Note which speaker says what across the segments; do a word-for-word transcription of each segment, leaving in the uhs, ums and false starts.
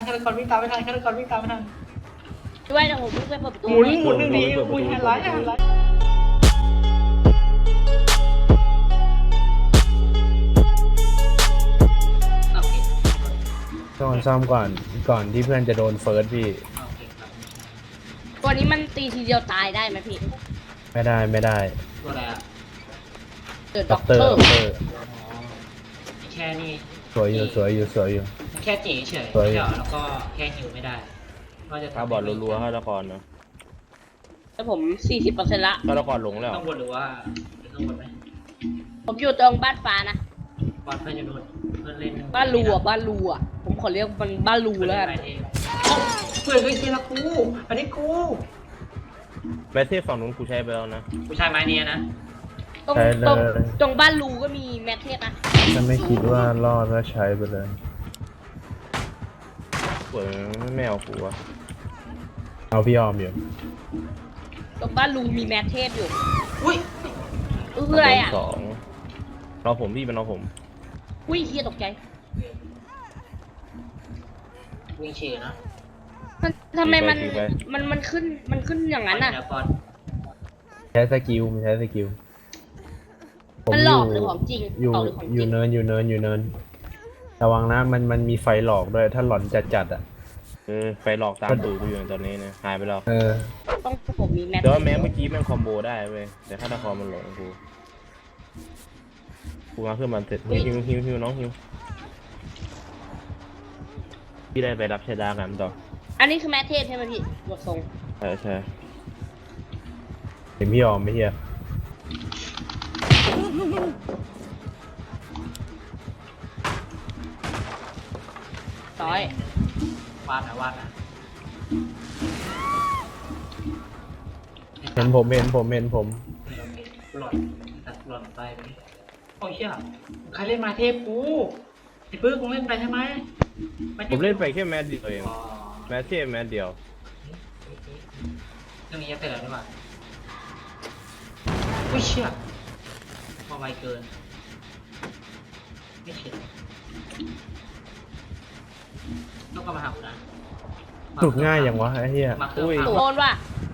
Speaker 1: ฆาตกรวิ่งตามไม่ทันฆาตกรวิ่งตามไม่ทัน
Speaker 2: ด้วยนะผมเพิ่งไปเปิดประตู
Speaker 1: หมุนหมุนหนึ่งทีอุ้ยหันร้ายหันร้าย
Speaker 3: ต้องซ่อมก่อนก่อนที่เพื่อนจะโดนเฟิร์สพี่
Speaker 2: ตัวนี้มันตีทีเดียวตายได้ไหมพี่
Speaker 3: ไม่ได้ไม่ได้
Speaker 1: ตัวอะไรอ่ะ
Speaker 2: เกิด
Speaker 3: ด็
Speaker 2: ด็
Speaker 3: อ
Speaker 2: อก ก
Speaker 3: เต
Speaker 2: เต
Speaker 3: อ
Speaker 2: อ
Speaker 3: ร์
Speaker 2: ร์
Speaker 3: ด็อกเตอร์
Speaker 1: แค่นี้
Speaker 3: สวยอยู่สวยอยู่สวยอยู่
Speaker 1: แค่จีเฉย
Speaker 3: สวย
Speaker 1: เฉยแล้วก็แค่หิวไม่ได้ก็จะ
Speaker 4: ถ้าบอดรัวๆฆาตกรเนาะ
Speaker 2: แล้วผมสี่สิบเปอร์เซ็นต์ละ
Speaker 4: ฆาตกรหลงแล้ว
Speaker 1: ต้องวนหรือว่าต้องวนไหม
Speaker 2: ผมอยู่ตรงบ้านฟ้านะ
Speaker 1: บอลเพื่อนจะโดนเพื่อนเล่น
Speaker 2: บ้านรูอ่ะบ้านรูอ่ะผมขอเรียกมันบ้านรูแล้วกัน
Speaker 1: เพื่อนเฮ้ยเจละกูอันนี้กู
Speaker 4: แมทเทพฝั่งนู้นกูใช้ไปแล้วนะ
Speaker 1: ผู้ชายไม้เนี้ยนะ
Speaker 2: ตรง
Speaker 3: ใช้เล
Speaker 2: ตรง
Speaker 3: ย
Speaker 2: ตรงบ้านรูก็มีแมทเทสนะ
Speaker 3: ถ้าไม่คิดว่ารอดก็ใช้ไปเลย
Speaker 4: เปิดไม่เอากูอะ
Speaker 3: เอาพี่ออมอยู่
Speaker 2: ตรงบ้านรูมีแมทเทสอยู่
Speaker 1: อุ้ย
Speaker 2: เออคืออะไรอ่ะ
Speaker 4: สองเราผมพี่เป็นเราผม
Speaker 2: อุ้ยเฮียตกใจ
Speaker 1: วิ่งเชียร์นะ
Speaker 2: มันทำไมมันมันมันขึ้นมันขึ้นอย่างนั้นอ่ะ
Speaker 1: บอล
Speaker 3: ใช้สกิลมันใช้สกิลผม
Speaker 2: มัน
Speaker 3: อ
Speaker 2: หลอยู่ กหรือของจริง
Speaker 3: อยู่
Speaker 2: หลอกหรือของ
Speaker 3: อ
Speaker 2: จริ
Speaker 3: ยู่
Speaker 2: ง
Speaker 3: เนินอยู่เนินอยู่เนินระวังนะมันมันมีไฟหลอกด้วยถ้าหลอนจัดจัดๆอ่ะ
Speaker 4: เออไฟหลอกตามตูกูอยู่ตอนนี้เนี่ยหายไปแล้ว
Speaker 3: เออ
Speaker 2: ต้องผมมีแมท
Speaker 4: แต่ว่าแม้เมื่อกี้แม่งคอมโบได้เว้ยแต่ฆาตกรมันหลงกูกูมาขึ้นมาเสร็จฮิวฮิวฮิวฮิวน้องฮิวพี่ได้ไปรับชะดากันต่อ
Speaker 2: อันนี้คือแมทเทสใช่ไหมพี่บททรง
Speaker 4: ใช่ใช่
Speaker 3: เห็นพี่ออมไหมเฮีย
Speaker 2: ร้อยว
Speaker 1: าดนะวาดนะ
Speaker 3: เห็นผมเห็นผมเห็นผม
Speaker 1: หล่อนตัดหล่อนไปไหมโอ้ยเชี่ยใครเล่นมาเทพกูไอ้ปื้มมึงเล่นไปใช่ไหม
Speaker 4: ผมเล่นไปแค่แมทเดียวเอง
Speaker 1: อ๋อ
Speaker 4: แมทเทพแมทเดียว
Speaker 1: เรื่องนี้จะเสร็จแล้วหรือเปล่าอุ้ยเชี่ยมาไวเกินไม่เข็ดต้องกลับมาหากูนะ
Speaker 3: สุดง่ายอย่างวะไอ้เฮีย
Speaker 1: มาเครื่อง
Speaker 2: โด
Speaker 1: พัง
Speaker 2: นว่ะ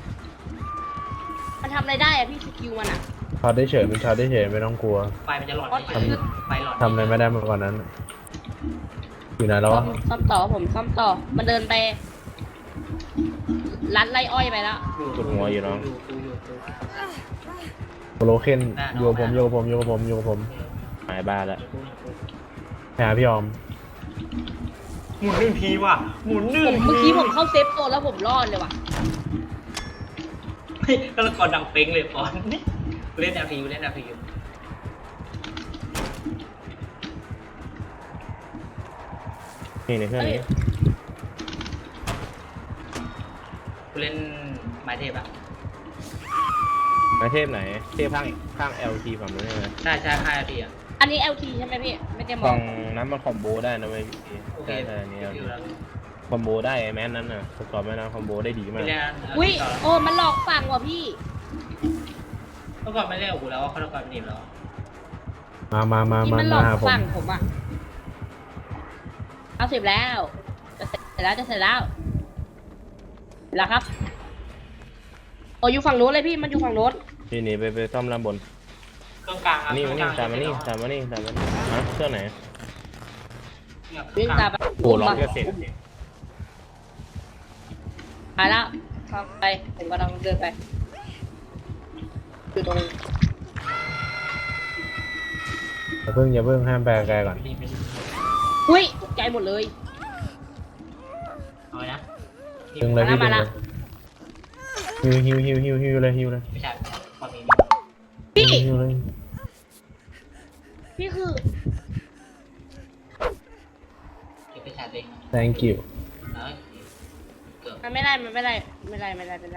Speaker 2: มันทำอะไรได้อะพี่สกิลมันอะ
Speaker 3: ช็อตได้เฉยมันช็อตได้เฉยไม่ต้องกลัว
Speaker 1: ไฟมันจะหลอด
Speaker 2: อ๋อ
Speaker 1: เฉยๆไฟหลอด
Speaker 3: ทำอะไรไม่ได้มากกว่านั้น อยู่ไหนแล้ว
Speaker 2: ซ่อ
Speaker 3: วะ
Speaker 2: มซ่อมต่อผมซ่อมต่อมันเดินไปลัดไล่อ้อยไปแล้ว
Speaker 4: กดหัวอยู่น้อง
Speaker 1: อยู่อยู่อยู่อยู่
Speaker 3: โลเคนอยู่กับผมอยู่กับผมอยู่กับผมอยู่กับผม
Speaker 4: หายบ้าแล้ว
Speaker 3: ไปหาพี่ออม
Speaker 1: หมุนหนึ่งทีว่ะหมุนหนึ่
Speaker 2: ผ
Speaker 1: ง
Speaker 2: มเมื่อกี้ผมเข้าเซฟโซนแล้วผมรอดเลยว่ะ
Speaker 1: เฮ้ยแล้วละครดังเป้งเลยปอนนี่เล่นแนวทีเล่นแนวที
Speaker 4: นี่ในเครื่องนี้
Speaker 1: กูเล่นไม้เทพอะ
Speaker 4: แมทเทพไหนเทพข้างข้าง แอล ที ฝั่งนู้นใช่ไหม
Speaker 1: ใช่ใช่ห้านาทีอะ
Speaker 2: อันนี้ แอล ที ใช่ไหมพี่ไม่ได้มอ
Speaker 4: ฝั่
Speaker 2: ง
Speaker 4: งนั้นมันคอมโบได้นะเว้ยพี่
Speaker 1: โอเค
Speaker 4: ใช่ใช่อันนี่
Speaker 1: อยู่แล้ว
Speaker 4: คอมโบได้ไอ้แมนนั้นน่ะประกอบแม่นั้นคอมโบได้ดี
Speaker 1: ไม่
Speaker 4: มาก
Speaker 1: เล่น
Speaker 2: อุ้ยโอ้มันหลอกฝั่งว่ะพี่
Speaker 1: เมื่อก่อนไม่เล่นกับกูแล้วเขาต้องการหนีบแล้ว
Speaker 3: มามามา
Speaker 2: นี่
Speaker 3: มา
Speaker 2: มันหล
Speaker 3: มา
Speaker 2: อก
Speaker 3: หาผม
Speaker 2: ฝั่งผมอ่ะเอาเสร็จแล้วจะเสร็จแล้วจะเสร็จแล้วแล้วครับโอ้อยู่ฝั่งโน้นเลยพี่มันอยู่ฝั่งโน้น
Speaker 4: พี่หนีไปไปซ่อมลำบน
Speaker 1: เครื่องกลาง
Speaker 4: นี่มานี่ตามมานี่ตามมานี่ตามมานี่ฮะเครื่องไหน
Speaker 2: วิ่งตามไป
Speaker 4: โอ้ล็อกจะเสร็จ
Speaker 2: หายแล้วทางไปผมกำลังเดินไปอยู่ตรง
Speaker 3: อย่าเพิ่งอย่าเพิ่งห้ามแปลไกลก่อน
Speaker 2: อุ้ยตกใจหมดเลย
Speaker 1: เอาไว้นะ
Speaker 3: ดึงเลยพี่ดึ
Speaker 2: มาง ละ
Speaker 3: เลยฮิวฮิวฮิวฮิวฮิวเลยฮิวเลย
Speaker 1: ไม่ใช่ความนี้
Speaker 2: พี่
Speaker 3: ฮิวเลย
Speaker 2: พี่คือ
Speaker 1: เก็บไปฉายเอง
Speaker 3: thank you
Speaker 1: เอ้ยเกือบ
Speaker 2: มันไม่ได้มันไม่ได้ไม่ได้ไม่ได้ไม่ได้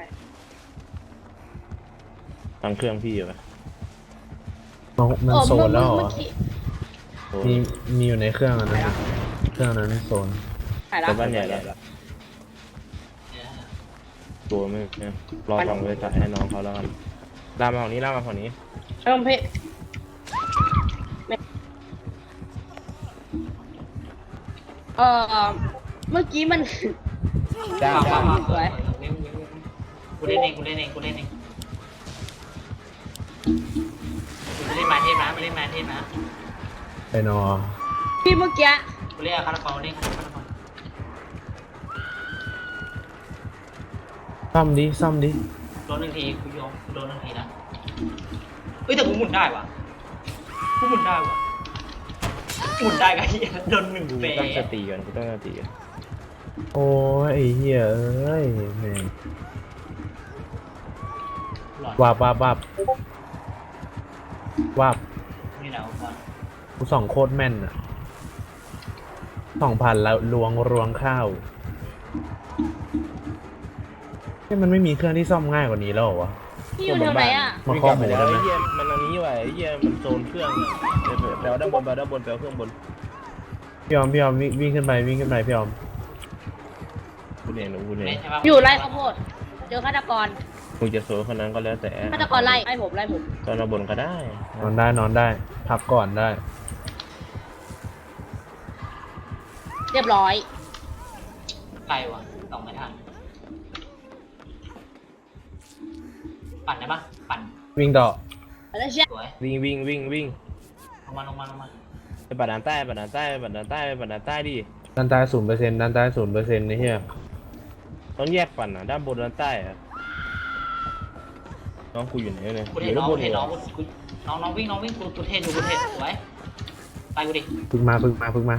Speaker 4: ตั้งเครื่องพี่อยู่ปะ
Speaker 3: มันมัน
Speaker 2: โอ้
Speaker 3: โซนแล้วเหรอ
Speaker 2: เมื่อกี้
Speaker 4: โอ้
Speaker 3: มีมีอยู่ในเครื่องอันนั้นเครื่องนั้นโซน
Speaker 2: หายแล้ว
Speaker 4: แต่บ้านใหญ่แล้วตัวไม่เนี่ยรอฟังเลยจ่ายให้น้องเขาแล้วกันลามมาฝั่งนี้ลามมาฝั่งนี้
Speaker 2: เริ่มพี่เอ่อเมื่อกี้มัน
Speaker 4: จ้า
Speaker 1: ว้าว
Speaker 4: จ้า
Speaker 1: ว้าวว้าว
Speaker 2: สวย
Speaker 1: วิ่งวิ่งวิ่งกูเล่นเองกูเล่นเองกูเล่นเองกูเล่นมาเทพนะไม่เล่นมาเทพนะ
Speaker 3: ไปนอ
Speaker 2: พี่เมื่อกี้
Speaker 1: กูเล่นคาราบาลเล่นคาราบาล
Speaker 3: ซ่อมดิซ่อมดิ
Speaker 1: โดนหนึ่งทีกูยอมโดนหนึ่งทีนะเฮ้ยแต่กูหมุนได้ว่ะกูหมุนได้ว่ะหมุนได้กันเหี้ยโดนหนึ่ง
Speaker 4: กู
Speaker 1: เป
Speaker 4: ตั้งสติก่อนกูตั้งสติก่อน
Speaker 3: โอ้ยไอ้เหี้ยเอ้ยแม่ง
Speaker 1: หลอด
Speaker 3: วาบวาบวาบวาบ
Speaker 1: นี่แหละก่อน
Speaker 3: กูส่องโคตรแม่นอะสองพันแล้วลวงรวงข้าวเฮ้ยมันไม่มีเครื่องที่ซ่อมง่ายกว่านี้แล้วเหรอวะ
Speaker 2: พี่อยู่แถวไหนอ่ะ
Speaker 3: มา
Speaker 4: วิ่ง
Speaker 3: ข้
Speaker 4: ก
Speaker 3: อ
Speaker 4: ลับ
Speaker 3: มู
Speaker 4: ไป
Speaker 3: ล
Speaker 4: แล้ว
Speaker 3: ได้ไหม
Speaker 4: ไอ้เหี้ยมันอันนี้ว่ะไอ้เหี้ยมันโซนเครื่องเดี๋ยวแปลด้านบนแปลด้านบนแปลเครื่องบน
Speaker 3: พี่ออมพี่ออมวิ่งวิ่งขึ้นไปวิ่งขึ้นไปพี่ออม
Speaker 4: กูเห็นกูเห็น
Speaker 1: เล่นใช่ปะ
Speaker 2: อยู่ไร่ข้าวโพดเจอฆาตกร
Speaker 4: มึงจะโซนคนนั้นก็แล้วแต่
Speaker 2: ฆาตกรไล่ไล่ผมไล่ผม
Speaker 4: ตอนเราบนก็ได้
Speaker 3: นอนได้นอนได้พักก่อนได้
Speaker 2: เรียบร้อย
Speaker 1: ไกลว่ะสองไม่ทันปั่นได้ปะปั่น
Speaker 3: วิ่งต่อ
Speaker 2: แล้วเชี่ย
Speaker 1: สวย
Speaker 4: วิ่งวิ่งวิ่งวิ่ง
Speaker 1: ลงมาลงมาลงมา
Speaker 4: ไปปัดด้านใต้ปัดด้านใต้ปัดด้านใต้ปัดด้านใต้ดิ
Speaker 3: ด้านใต้ศูนย์เปอร์เซ็นต์ด้านใต้ศูนย์เปอร์เซ็นต์นี่เฮีย
Speaker 4: ต้องแยกปั่นอ่ะด้านบนด้านใต้อะน้องกูอยู่ไหนเนี่ย
Speaker 1: กู
Speaker 4: อ
Speaker 1: เห็น
Speaker 4: ยู่
Speaker 1: น้
Speaker 4: ด้า
Speaker 1: อง
Speaker 4: นบน
Speaker 1: เห็น
Speaker 4: เหร
Speaker 1: น้อ
Speaker 4: อง
Speaker 1: กูกูน้องน้องวิ่งน้องวิ่งกูกูเทนอยู่กูเทนสวยไปกูดิ
Speaker 3: พึ่งมาพึ่งมาพึ่งมา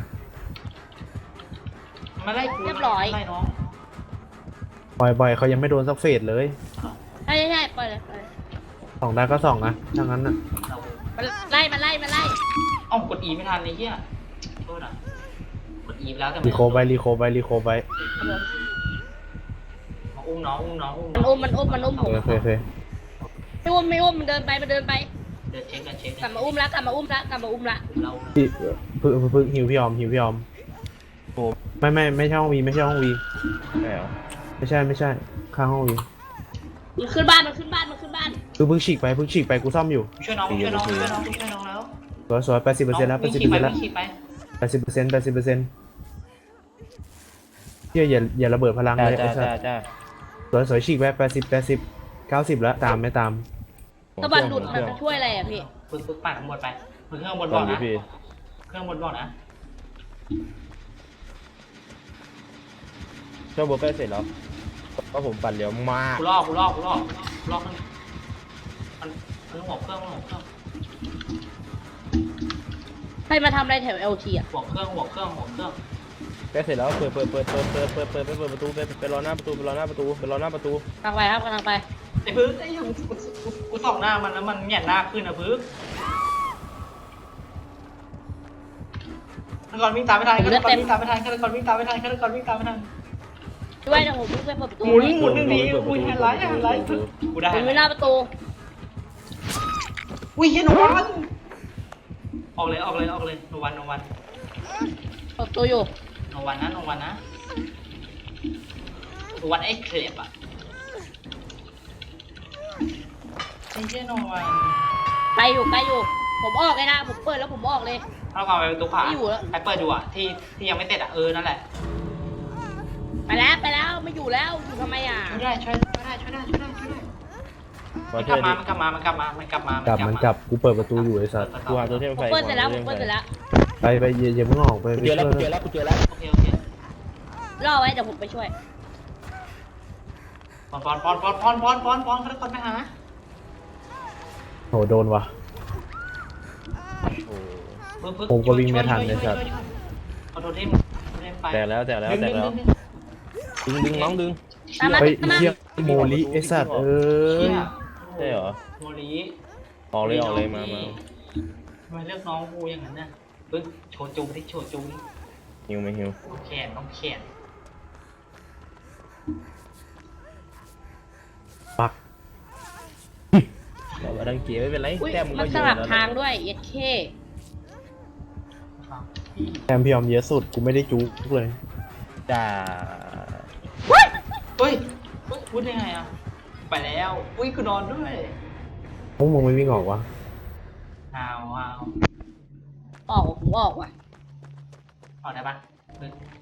Speaker 1: มาไล่กู
Speaker 2: เรียบร้อย
Speaker 1: ไล่น้อง
Speaker 3: ปล่อยบ่อยเขายังไม่โดนสักเฟสเลย
Speaker 2: ใช่ใช่ใช่ปล่อยเลยปล่อยเลย
Speaker 3: ส่องได้ก็ส่องนะถ้างั้นน่ะ
Speaker 1: เรา
Speaker 2: มันไล่มันไล่มันไล่
Speaker 1: เอ้ากดอีไม่ทันเลยเฮียโทษอ่ะกดอีไปแล้วแต่
Speaker 3: รีโคไปรีโคไปรีโคไป
Speaker 2: ครับผม
Speaker 1: มาอุ้มน้องอุ้มน้องอุ้ม
Speaker 2: มันอุ้มมันอุ้มมันอุ้มผม
Speaker 3: โอเคโอเค
Speaker 2: ไม่อุ้มไม่อุ้มมันเดินไปมันเดินไป
Speaker 1: เดินเช็คกันเช็ค
Speaker 2: กลับมาอุ้มละกลับมาอุ้มละกลับมาอุ้มละ
Speaker 1: เรา
Speaker 3: พี่พึ่งพึ่งพึ่งหิวพี่ออมหิวพี่ออม
Speaker 4: โอ้
Speaker 3: ไม่ไม่ไม่ใช่ห้องวีไม่ใช่ห้องวี
Speaker 4: ใช่เหรอ
Speaker 3: ไม่ใช่ไม่ใช่ข้างห้องวี
Speaker 2: มันขึ้นบ้านมันขึ้นบ้านมันขึ้นบ้าน
Speaker 3: คือพึ่งฉีกไปพึ่งฉีกไปกูซ่อมอยู่
Speaker 1: ช่วยน้องช่วยน้องช่วยน้องช่วยน้องแล้ว
Speaker 3: สวยสวยแปดสิบเปอร์เซ็นต์แล้วแปดสิบเปอร์เซ็นต์แล้ว
Speaker 1: วิ่งขี่ไป
Speaker 3: แปดสิบเปอร์เซ็นต์แปดสิบเปอร์เซ็นต์เฮียอย่าอย่าระเบิดพลัง
Speaker 4: จ้า
Speaker 3: เลย
Speaker 4: จ้า
Speaker 3: ไอ้สั
Speaker 4: จ้า
Speaker 3: ส
Speaker 4: จ้า
Speaker 3: สวยสวยฉีกไปแปดสิบแปดสิบเก้าสิบแล้วตามไม่ตาม
Speaker 2: ตะบันหลุดมันช่วยอะไรอ่ะพี่
Speaker 1: ฝึกฝึกปั่นข้างบนไปฝึกเครื่องบน
Speaker 4: ต
Speaker 1: บ
Speaker 4: อ
Speaker 1: อน ก
Speaker 4: นี้
Speaker 1: นะ
Speaker 4: พี่
Speaker 1: เครื่องบนบอกนะ
Speaker 4: เจ้าโบใกล้เสร็จแล้วก็ผมปั่นเร็วมาก
Speaker 1: กูลอกกูลอกกูลอกกูลอกเครื่องมันมันหัวเครื่องมันหัวเครื่อง
Speaker 2: ใครมาทำอะไรแถวเอลทีอ่ะ
Speaker 1: หัวเครื่องหัวเครื่องหัวเครื่อง
Speaker 4: ใกล้เสร็จแล้วเปิดเปิดเปิดเปิดเปิดเปิดเปิดเปิดเปิดประตูไปไปรอหน้าประตูไปรอหน้าประตูไปรอหน้าประตู
Speaker 2: กำลังไปครับกำลังไป
Speaker 1: ไอ้พึ่งไอ้ยังกูกูกูส่องหน้ามันแล้วมันแหงนหน้าขึ้นนะพึ่งฆาตกรวิ่งตามไม่ทันฆาตกรวิ่งตามไม่ทันฆาตกรวิ่งตามไม่ทันฆาตกรวิ่งตามไม่ทัน
Speaker 2: ด้วยเดี๋ยวผมเพิ่งไปเปิดประตู
Speaker 1: หมุนหมุนหนึ่งทีอุ้ยแฮนด์ไลท์แฮนด์ไลท์พึ่งกูได้
Speaker 2: ผมไม่หน้าประตู
Speaker 1: อุ้ยเฮียโนวันออกเลยออกเลยออกเลยโนวันโนวัน
Speaker 2: เปิดประตูอยู่
Speaker 1: โนวันนะโนวันนะโนวันไอ้เคลปอะไอ้เฮียโนวัน
Speaker 2: ไปอยู่ไปอยู่ ผมออกเลยนะผมเปิดแล้วผมออกเลย
Speaker 1: ถ้าเราไปประตูขวา
Speaker 2: ไม่อยู่แล้ว
Speaker 1: ไปเปิดดูอะที่ที่ยังไม่เสร็จอะเออนั่นแหละ
Speaker 2: ไปแล้วไปแล้วไม่อยู่แล้วอยู่ทำไมอ่ะ
Speaker 1: ช่วยได้ช่วยได้ช่วยได้ช่วยได้ช่วยได้
Speaker 4: มา
Speaker 1: มันก
Speaker 4: ช่
Speaker 1: ลั
Speaker 4: วย
Speaker 1: บมา
Speaker 4: ดิ
Speaker 1: มันกลับมามันกลับมามันกลับมา
Speaker 3: กลับมันกลับกูเปิดประตูอยู่ไอ้สัส
Speaker 4: กูหาตัวเทพ
Speaker 2: ผม
Speaker 4: ไฟ
Speaker 2: เปิดเสร็จแล้วผมเปิดเสร็จแล้ว
Speaker 3: ไปไปอย่าอย่าเพิ่งออกไป
Speaker 4: กู
Speaker 3: ไป
Speaker 4: เจอแล้ว
Speaker 3: ช่วย
Speaker 4: กูเจอแล้วกูเจอแล้ว
Speaker 1: โอเคโอเค
Speaker 2: รอไว้เดี๋ยวผมไปช่วย
Speaker 1: ปอนปอนปอนปอนปอนปอนปอนปอนเขาจะกดไปหา
Speaker 3: โหโดนว่ะ
Speaker 4: โอ้
Speaker 1: ปึ๊บปึ๊บ
Speaker 3: ผมก็วิ่งไม่ทัน
Speaker 1: ช่ว
Speaker 3: เลยสัตว์
Speaker 1: ช่วช่วยเอาโทเทมโทเทมไป
Speaker 4: แตกแล้วแตกแล้ว
Speaker 1: ดึง
Speaker 4: แตกแล้ว
Speaker 1: ดึงดึง
Speaker 4: ดึงดึงน้องดึง
Speaker 2: ตามมา
Speaker 3: เฮ้ย
Speaker 2: ตามมา
Speaker 3: เฮียโมลิไอ้สัตว์เอ้ย
Speaker 1: เชี่ย
Speaker 4: ใช่เหรอ
Speaker 1: โมลี
Speaker 4: ออกเลยออกเลยมามา
Speaker 1: ทำไมเลือกน้องกูอย่างนั้นน่ะปึ๊บโชว์จูดิโชว์จูดิ
Speaker 4: หิวไหมหิว
Speaker 1: แขนต้องแขน
Speaker 3: ปัก
Speaker 4: บอกว่าดังเกียร์ไม่เป็นไร
Speaker 2: อุ้ย
Speaker 4: แต้มมึง
Speaker 2: มั
Speaker 4: ก็
Speaker 2: น
Speaker 4: อ
Speaker 2: ส
Speaker 4: ยู่
Speaker 2: ลับ
Speaker 4: แล้ว
Speaker 2: ทางด้วยเอสเค
Speaker 3: แทมพี่ออมเยอะสุดกูไม่ได้จุกเลย
Speaker 4: จ้า
Speaker 1: เฮ้ยเฮ้ยพูดได้ไงอ่ะไปแล้วอุ้ยกูนอนด้วย
Speaker 3: พวกมึงไม่วิ่งออกวะ
Speaker 1: อ้าวอ้าว
Speaker 2: ออกผมออกว่ะ
Speaker 1: ออกได้ปะปึ๊บ